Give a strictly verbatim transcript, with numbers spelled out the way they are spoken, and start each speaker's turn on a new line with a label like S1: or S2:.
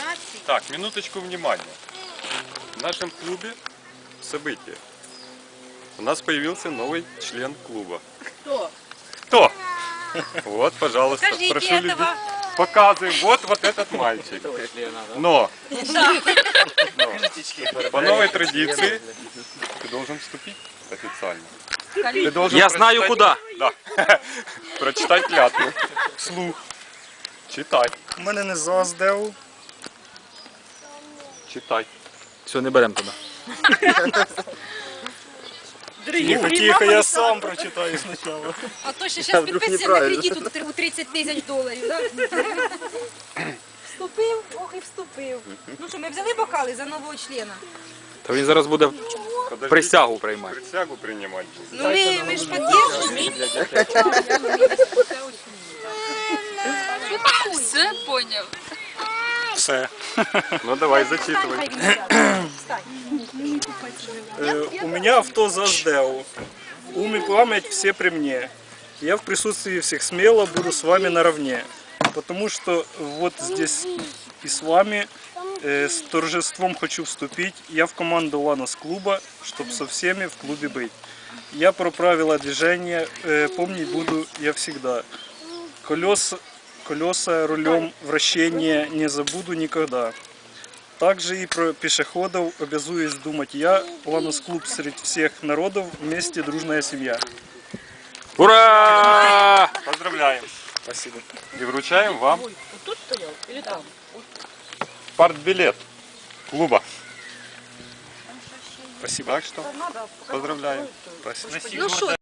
S1: номинаций.
S2: Так, минуточку внимания. В нашем клубе событие. У нас появился новый член клуба.
S1: Кто?
S2: Кто? Вот, пожалуйста,
S1: Покажите
S2: прошу
S1: этого.
S2: людей. Показываем. Вот, вот этот мальчик. Но, но по новой традиции ты должен вступить официально. Ты должен
S3: Я знаю
S2: прочитать-
S3: куда.
S2: Да. Прочитать клятву. Вслух. Читай.
S4: У мене не ЗОЗДЕУ.
S2: Читай.
S3: Все, не беремо туди.
S4: Тихо, тихо, я сам прочитаю спочатку.
S1: А то ще зараз підписуємо на кредит у тридцать тисяч доларів, так? Вступив, ох і вступив. Ну що, ми взяли бокали за нового члена?
S3: Та він зараз буде
S2: Подожди.
S3: присягу приймати.
S2: Присягу принимать.
S1: Ну ми, ми ж підтримуємо.
S5: Все поняв.
S4: Все.
S2: Ну давай, зачитывай.
S4: Э, У меня авто ЗОЗДЕУ. Ум и память все при мне. Я в присутствии всех смело буду с вами наравне. Потому что вот здесь и с вами э, с торжеством хочу вступить. Я в команду Ланос клуба, чтобы со всеми в клубе быть. Я про правила движения э, помнить буду я всегда. Колеса, колеса рулем, вращение не забуду никогда. Также и про пешеходов обязуюсь думать я. Ланос клуб среди всех народов, вместе дружная семья.
S3: Ура!
S2: Поздравляем.
S4: Спасибо.
S2: И вручаем вам партбилет клуба.
S4: Спасибо.
S2: Так что поздравляем.
S4: Спасибо.
S1: Ну що,